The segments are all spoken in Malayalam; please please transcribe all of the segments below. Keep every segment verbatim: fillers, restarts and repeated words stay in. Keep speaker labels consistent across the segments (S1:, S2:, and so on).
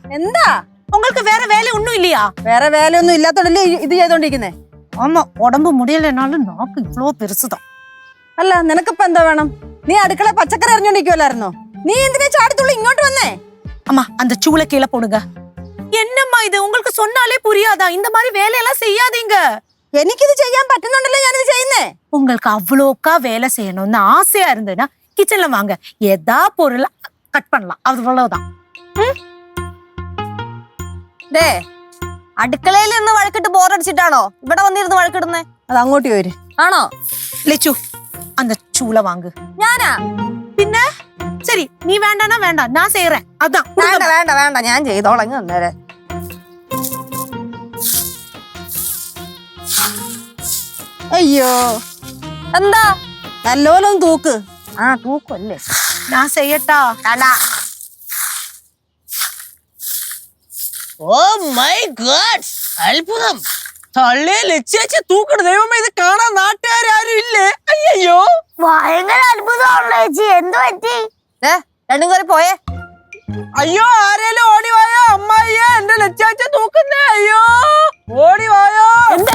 S1: എന്താ
S2: உங்களுக்கு வேற வேலை ஒண்ணும் இல்லையா?
S1: വേറെ വേലയൊന്നും ഇല്ലാത്തോണ്ടല്ലേ ഇത് ചെയ്തോണ്ടിരിക്കുന്നേ?
S2: ஆமா, உடம்பு முடியலனாலும் நாக்கு இவ்ளோ பெருசுதான்.
S1: അല്ല നിനക്കിപ്പോ എന്താ വേണം? നീ അടുക്കള പച്ചക്കറി അറിഞ്ഞോണ്ടിരിക്കുവല്ലായിരുന്നോ? നീ എന്തിനാ ചാടിത്തുള്ളി ഇങ്ങോട്ട് വന്നേ?
S2: அம்மா அந்த சூளை கீழே போடுங்க. என்னம்மா இது, உங்களுக்கு சொன்னாலே புரியாதா? இந்த மாதிரி வேலையெல்லாம் செய்யாதீங்க.
S1: എനിക്കിത് ചെയ്യാൻ പറ്റുന്നുണ്ടല്ലോ ഞാനിത് ചെയ്യുന്നേ.
S2: உங்களுக்கு அவ்வளோக்கா வேலை செய்யணும்னு ஆசையா இருந்ததுன்னா கிச்சன்ல வாங்க, ஏதா பொருள் கட் பண்ணலாம், அவ்வளவுதான்.
S3: ദേ അടുക്കളയിൽ നിന്ന് വഴക്കിട്ട് ബോറടിച്ചിട്ടാണോ ഇവിടെ വന്നിരുന്ന് വഴക്കിടുന്നേ?
S1: അത് അങ്ങോട്ട് പോര്.
S3: ആണോ?
S2: லெச்சு அந்த சூளை வாங்கு.
S3: ഞാനാ?
S2: பின்ன சரி, நீ வேண்டானா வேண்டாம், நான் செய்யறேன். அதான்
S3: വേണ്ട വേണ്ട വേണ്ട, ഞാൻ ചെയ്തോളങ്ങ് അന്നേരം.
S1: അയ്യോ
S3: എന്താ?
S1: നല്ലോലൊന്ന് തൂക്ക്.
S3: ആ തൂക്കല്ലേ.
S2: நான் செய்யட்டா?
S3: വേണ്ട.
S4: ഓ മൈ ഗോഡ്, അത്ഭുതം! തള്ളേ ലക്ഷ്യാച്ചി തൂക്കണ ദൈവമേ, ഇത് കാണാൻ നാട്ടുകാരും ഇല്ലേ? അയ്യോ
S3: ഭയങ്കര അത്ഭുതമാണല്ലോ ചേച്ചി, എന്ത് പറ്റി? രണ്ടും കയറി പോയേ.
S4: അയ്യോ, ആരേലും ഓടി വായോ അമ്മായിയെ, എന്റെ ലക്ഷ്യാച്ച തൂക്കുന്നേ. അയ്യോ ഓടി വായോ.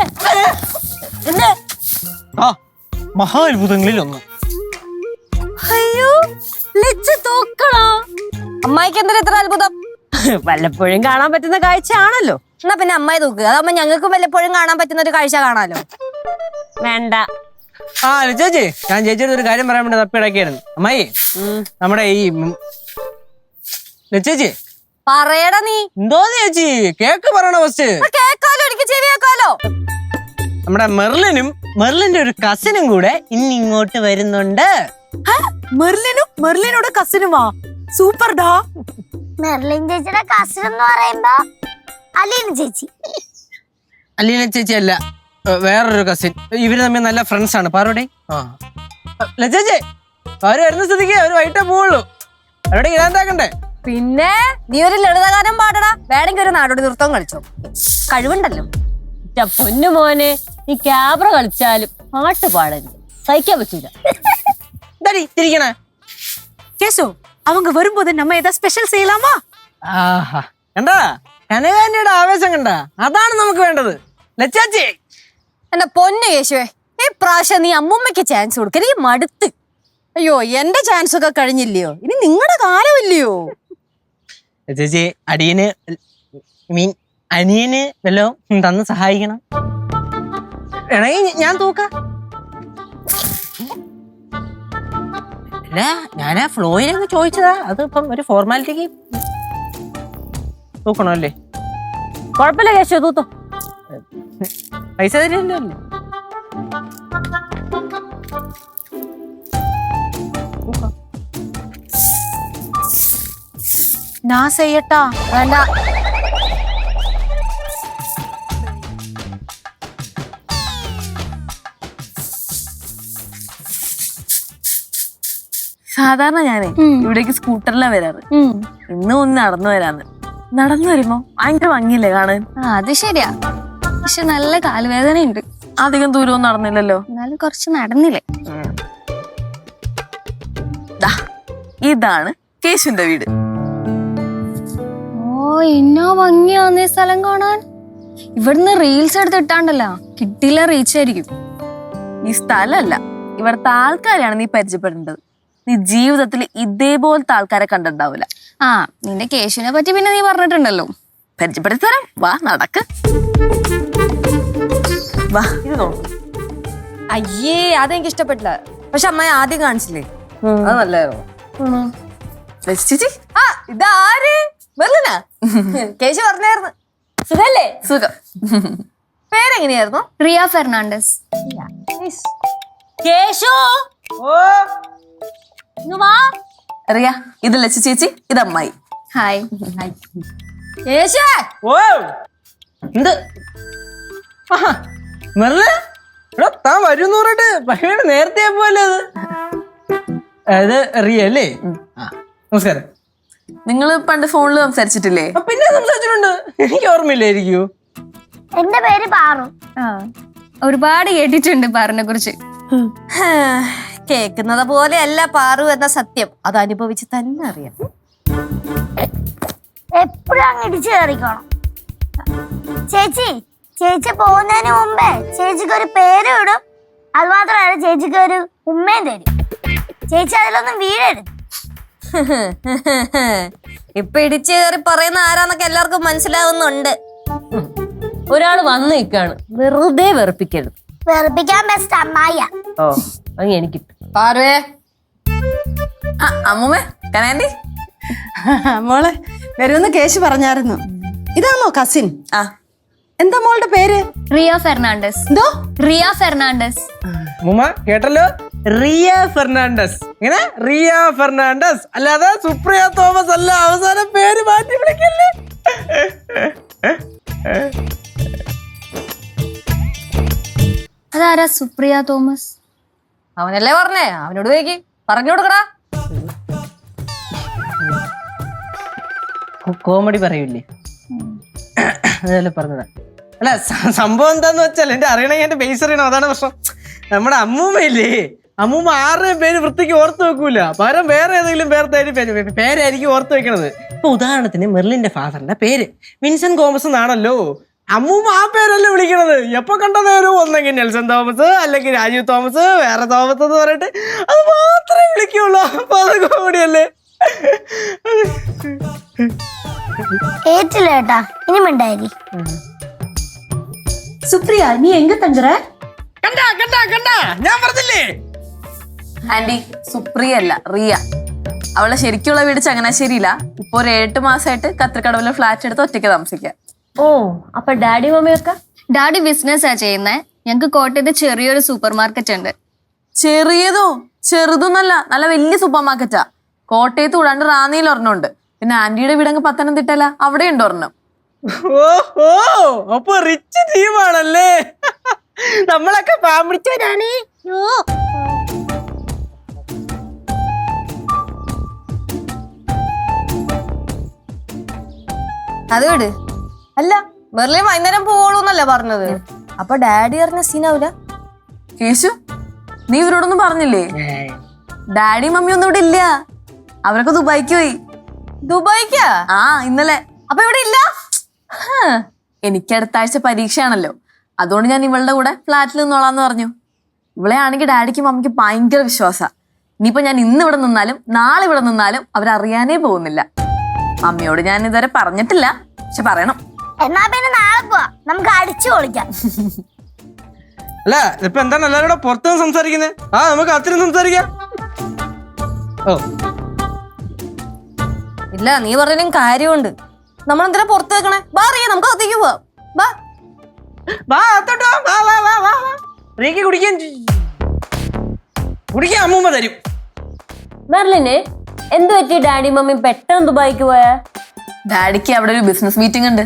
S4: ആ മഹാ അത്ഭുതങ്ങളിൽ ഒന്ന്.
S3: അയ്യോ ലച്ചു തൂക്കണോ? അമ്മായിക്ക് എന്തിനാ ഇത്ര അത്ഭുതം?
S1: വല്ലപ്പോഴും കാണാൻ പറ്റുന്ന കാഴ്ചയാണല്ലോ.
S3: എന്നാ പിന്നെ അമ്മായി തൂക്ക്, അതാവുമ്പോ ഞങ്ങൾക്കും വല്ലപ്പോഴും കാണാൻ പറ്റുന്ന ഒരു കാഴ്ച കാണാലോ.
S1: വേണ്ട.
S4: ആ ലക്ഷ്യാച്ചി, ഞാൻ ചേച്ചിയുടെ ഒരു കാര്യം പറയാൻ വേണ്ടി തപ്പിടക്കായിരുന്നു. അമ്മായി, നമ്മുടെ ഈ ലക്ഷ്യാച്ചി
S3: പറയടാ. നീ
S4: എന്തോന്ന് ചേച്ചി കേക്ക് പറയണ ഫസ്റ്റ്?
S3: കേക്കാലോ, എനിക്ക് ചെവി കേക്കാലോ.
S4: നമ്മുടെ മെർലിനും മെർലിന്റെ ഒരു കസിനും കൂടെ ഇന്ന് ഇങ്ങോട്ട് വരുന്നുണ്ട്.
S2: മെർലിനും മെർലിനോട് കസിനുമാ? സൂപ്പർഡാ.
S5: മെർലിൻ ചേച്ചിയുടെ കസിൻ എന്ന് പറയുമ്പോ അലീന ചേച്ചി.
S4: അലീന ചേച്ചി അല്ല, വേറൊരു കസിൻ. ഇവര് തമ്മിൽ നല്ല ഫ്രണ്ട്സ് ആണ്. പാറോടെ ലച്ചേച്ചി, അവര് വരുന്ന സ്ഥിതിക്ക് അവര് വൈകിട്ടേ പോവുള്ളൂ. അവരുടെ ഇതാണ്ടാക്കണ്ടേ?
S3: പിന്നെ നീ ഒരു ലളിതഗാനം പാടടാ, വേണമെങ്കിൽ ഒരു നാടോടി നൃത്തം കളിച്ചോ, കഴിവുണ്ടല്ലോ.
S6: പൊന്നു മോനെ, നീ ക്യാബ്ര കളിച്ചാലും പാട്ട് പാടരുത്, സഹിക്കാൻ പറ്റൂല.
S4: തിരിക്കണേ
S2: கேசு, அவங்க வரும்போது நம்ம ஏதாவது ஸ்பெஷல் செய்யலாமா?
S4: ആഹാ, കണ്ടാ കനകാന്റിയുടെ ആവേശം കണ്ടാ? അതാണ് നമുക്ക് വേണ്ടത് ലച്ചാച്ചി.
S3: എന്റെ പൊന്നു യേശുവേ, ഈ പ്രാവശ്യം നീ അമ്മൂമ്മയ്ക്ക് ചാൻസ് കൊടുക്കരുത്, ഈ മടുത്ത്.
S1: അയ്യോ എന്റെ ചാൻസ് ഒക്കെ കഴിഞ്ഞില്ലയോ? ഇനി നിങ്ങളുടെ കാലമില്ലയോ?
S4: ചേച്ചി, അടിയന് മീൻ അനിയന് വല്ലോ തന്ന് സഹായിക്കണം. വേണമെങ്കിൽ ഞാൻ തൂക്ക. അല്ല, ഞാൻ ആ ഫ്ലോയിലൊക്കെ ചോദിച്ചതാ, അത് ഇപ്പം ഒരു ഫോർമാലിറ്റിക്ക് തൂക്കണോ അല്ലേ?
S6: കുഴപ്പമില്ല കേശു, തൂത്തോ.
S4: പൈസ തരുമല്ലോ അല്ലേ?
S2: நான் செய்யட்டா?
S3: വേണ്ട.
S1: സാധാരണ ഞാനേ ഇവിടേക്ക് സ്കൂട്ടറിലാണ് വരാറ്. ഇന്നും ഒന്ന് നടന്നു വരാന്ന്. നടന്നു വരുമ്പോ ഭയങ്കര ഭംഗിയില്ലേ കാണാൻ?
S5: അത് ശരിയാ, പക്ഷെ നല്ല കാലുവേദന ഉണ്ട്.
S1: അധികം ദൂരമൊന്നും നടന്നില്ലല്ലോ.
S5: എന്നാലും കുറച്ച് നടന്നില്ലേ.
S1: ഇതാണ് കേശുന്റെ വീട്.
S5: ഓ, എന്നോ ഭംഗിയാന്നേ സ്ഥലം കാണാൻ. ഇവിടുന്ന് റീൽസ് എടുത്ത് ഇട്ടാണ്ടല്ലോ, കിട്ടില്ല റീച്ച് ആയിരിക്കും.
S1: ഈ സ്ഥലമല്ല, ഇവിടുത്തെ ആൾക്കാരെയാണ് നീ പരിചയപ്പെടേണ്ടത്. നീ ജീവിതത്തിൽ ഇതേപോലത്തെ ആൾക്കാരെ കണ്ടിട്ടുണ്ടാവില്ല.
S5: ആ, നിന്റെ കേശുവിനെ പറ്റി പിന്നെ നീ പറഞ്ഞിട്ടുണ്ടല്ലോ.
S1: പരിചയപ്പെടുത്തി തരാം, വാ നടക്ക്. വാ ഇത് നോക്ക്.
S3: അയ്യേ, അതെനിക്ക് ഇഷ്ടപ്പെട്ടില്ല. പക്ഷെ അമ്മായി ആദ്യം കാണിച്ചില്ലേ, അത് നല്ലായിരുന്നു.
S1: ചേച്ചി,
S3: ആ ഇതാര്? മെർലിനാ? കേശു പറഞ്ഞായിരുന്നു. സുഖല്ലേ?
S1: സുഖം.
S3: പേരെങ്ങനെയായിരുന്നു?
S5: റിയ ഫെർണാണ്ടസ്.
S6: കേശു, ഇങ്ങ് വാ.
S1: അറിയ, ഇത് ലച്ചു ചേച്ചി, ഇത് അമ്മായി.
S5: ഹായ്.
S3: കേശു,
S4: ഓ എന്ത് മെർല, എടാ താൻ വരും പറഞ്ഞിട്ട് ഭയങ്കര നേരത്തെ പോലെ. അത് റിയ അല്ലേ? നമസ്കാരം.
S1: നിങ്ങൾ പണ്ട് ഫോണിൽ സംസാരിച്ചിട്ടില്ലേ?
S4: പിന്നെ സംസാരിച്ചിട്ടുണ്ട്, എനിക്ക് ഓർമ്മയില്ലായിരിക്കൂ.
S5: എന്റെ പേര് പാറു. ആ, ഒരുപാട് കേട്ടിട്ടുണ്ട് പാറിനെ കുറിച്ച്.
S3: കേക്കുന്നത് പോലെയല്ല പാറു എന്ന സത്യം, അത് അനുഭവിച്ച് തന്നെ അറിയാം.
S5: എപ്പോഴാ
S7: അങ്ങ് ഇടിച്ചു കയറിക്കോണം. ചേച്ചി ചേച്ചി പോകുന്നതിന് മുമ്പേ ചേച്ചിക്ക് ഒരു പേര് ഇടും. അത് മാത്രമല്ല ചേച്ചിക്ക് ഒരു ഉമ്മയും തരും. ചേച്ചി അതിലൊന്നും വീഴരുത്.
S3: ഇപ്പൊ ഇടിച്ചു കയറി പറയുന്ന ആരാന്നൊക്കെ എല്ലാവർക്കും മനസ്സിലാവുന്നുണ്ട്.
S6: ഒരാള് വന്നു നിൽക്കാണ്, വെറുതെ വെറുപ്പിക്കരുത്.
S7: വെറുപ്പിക്കാൻ ബെസ്റ്റ് അമ്മായ.
S6: ഓ അങ്ങ് എനിക്ക്
S3: പാർവേ
S1: ആ അമ്മൂമ്മേ കനാൻഡി.
S8: മോളെ വരുമെന്ന് കേശു പറഞ്ഞായിരുന്നു. ഇതാണോ കസിൻ?
S1: ആ
S8: എന്താ മോളുടെ പേര്?
S5: റിയ ഫെർണാണ്ടസ്.
S8: എന്തോ?
S5: റിയ ഫെർണാണ്ടസ്.
S4: മുമ്മ കേട്ടല്ലോ, റിയ ഫെർണാണ്ടസ്. ഇങ്ങനെ റിയ ഫെർണാണ്ടസ്, അല്ലാതെ സുപ്രിയ തോമസ് അല്ല. അവസാനം പേര് മാറ്റി വിളിക്കല്ലേ.
S5: അതാരാ സുപ്രിയ തോമസ്?
S3: അവനല്ലേ പറഞ്ഞേ, അവനോട് ചോദിക്ക്, പറഞ്ഞു കൊടുക്കടാ.
S4: കോമഡി പറയൂലേ, അതല്ലേ പറഞ്ഞതാ. അല്ല സ- സംഭവം എന്താന്ന് വെച്ചാൽ, എന്റെ അറിയണമെങ്കിൽ എന്റെ ബേസ് അറിയണം. അതാണ് പ്രശ്നം. നമ്മുടെ അമ്മൂമ്മയില്ലേ, അമ്മൂമ്മ ആരുടെയും പേര് വൃത്തിക്ക് ഓർത്ത് വെക്കൂല. പകരം വേറെ ഏതെങ്കിലും പേർത്തായിട്ട് പേര് പേരായിരിക്കും ഓർത്ത് വെക്കണത്. ഇപ്പൊ ഉദാഹരണത്തിന് മെർലിന്റെ ഫാദറിന്റെ പേര് വിൻസെന്റ് തോമസ് എന്നാണല്ലോ. അമ്മൂമ്മ ആ പേരല്ലേ വിളിക്കണത്. എപ്പൊ കണ്ട നേരം ഒന്നെങ്കിൽ നെൽസൺ തോമസ്, അല്ലെങ്കിൽ രാജീവ് തോമസ്, വേറെ തോമസ് എന്ന് പറഞ്ഞിട്ട് അത് മാത്രമേ വിളിക്കുള്ളൂ. അപ്പൊ അത് കോമഡിയല്ലേ.
S7: ഏറ്റില്ല ഏട്ടാ, ഇനി മിണ്ടായി.
S8: സുപ്രിയ നീ എങ്ക തங்குற?
S4: കണ്ടാ കണ്ടാ കണ്ടാ ഞാൻ പറഞ്ഞില്ലേ.
S1: ആന്റി സുപ്രിയ അല്ല റിയ. അവളെ ശരിക്കുള്ള വീട് ചങ്ങനാശ്ശേരിയില്ല. ഇപ്പൊ ഒരു എട്ട് മാസമായിട്ട് കത്രിക്കടവിലെ ഫ്ലാറ്റ് എടുത്ത് ഒറ്റയ്ക്ക് താമസിക്കാം.
S6: ഓ അപ്പൊ ഡാഡി മമ്മിയൊക്കെ?
S5: ഡാഡി ബിസിനസ്സാ ചെയ്യുന്നേ. ഞങ്ങക്ക് കോട്ടയത്ത് ചെറിയൊരു സൂപ്പർ മാർക്കറ്റ് ഉണ്ട്.
S1: ചെറിയതോ ചെറുതൊന്നല്ല, നല്ല വലിയ സൂപ്പർ മാർക്കറ്റാ. കോട്ടയത്ത് കൂടാണ്ട് റാന്നിയിൽ ഒരെണ്ണമുണ്ട്. പിന്നെ ആന്റിയുടെ വീടങ്ങ് പത്തനംതിട്ടല്ല, അവിടെ ഉണ്ട് ഒരെണ്ണം.
S4: ഓഹോ, അപ്പൊ റിച്ച് ടീമാണല്ലേ. നമ്മളൊക്കെ പാമ്പിടിച്ചവരാണ്.
S3: അത് വിട്. അല്ല മെർലിൻ വൈകുന്നേരം പോവുള്ളൂന്നല്ലേ പറഞ്ഞത്? അപ്പൊ ഡാഡി അറിഞ്ഞ സീനാവൂല?
S1: കേശു, നീ ഇവരോടൊന്നും പറഞ്ഞില്ലേ? ഡാഡി മമ്മി ഒന്നും ഇവിടെ ഇല്ല. അവരൊക്കെ ദുബായിക്ക് പോയി.
S3: ദുബായിക്കാ?
S1: ആ ഇന്നലെ.
S3: അപ്പൊ ഇവിടെ ഇല്ല?
S1: എനിക്ക് അടുത്ത ആഴ്ച പരീക്ഷയാണല്ലോ, അതുകൊണ്ട് ഞാൻ ഇവളുടെ കൂടെ ഫ്ലാറ്റിൽ നിന്നോളാന്ന് പറഞ്ഞു. ഇവളെ ആണെങ്കിൽ ഡാഡിക്കും മമ്മിക്ക് ഭയങ്കര വിശ്വാസാ. ഇനിയിപ്പോ ഞാൻ ഇന്ന് ഇവിടെ നിന്നാലും നാളെ ഇവിടെ നിന്നാലും അവരറിയാനേ പോകുന്നില്ല. മമ്മിയോട് ഞാൻ ഇതുവരെ പറഞ്ഞിട്ടില്ല, പക്ഷെ പറയണം.
S7: എന്നാ പിന്നെ നാളെ പോവാ, നമുക്ക് അടിച്ചു പൊളിക്കാം.
S4: അല്ല ഇപ്പൊ എന്താണ് എല്ലാവരും കൂടെ പുറത്ത് സംസാരിക്കുന്നത്? ആ നമുക്ക് അത്രയും സംസാരിക്കാം. ഓ
S3: ഇല്ല, നീ പറഞ്ഞാലും കാര്യമുണ്ട്. നമ്മളെന്തിനാ പുറത്ത് വെക്കണേ? ബാ റിയ, നമുക്ക് അകത്തേക്ക് പോവാം. ബാ
S4: വാ അത്തോട്ടോ, വാ വാ വാ വാ വാ. റീക്ക് കുടിക്കാൻ കുടിക്കാൻ അമ്മൂമ്മ തരും.
S6: മെർലിന് എന്ത് പറ്റി ഡാഡി മമ്മി പെട്ടെന്ന് ദുബായിക്ക് പോയാ?
S1: ഡാഡിക്ക് അവിടെ ഒരു ബിസിനസ് മീറ്റിംഗ് ഉണ്ട്.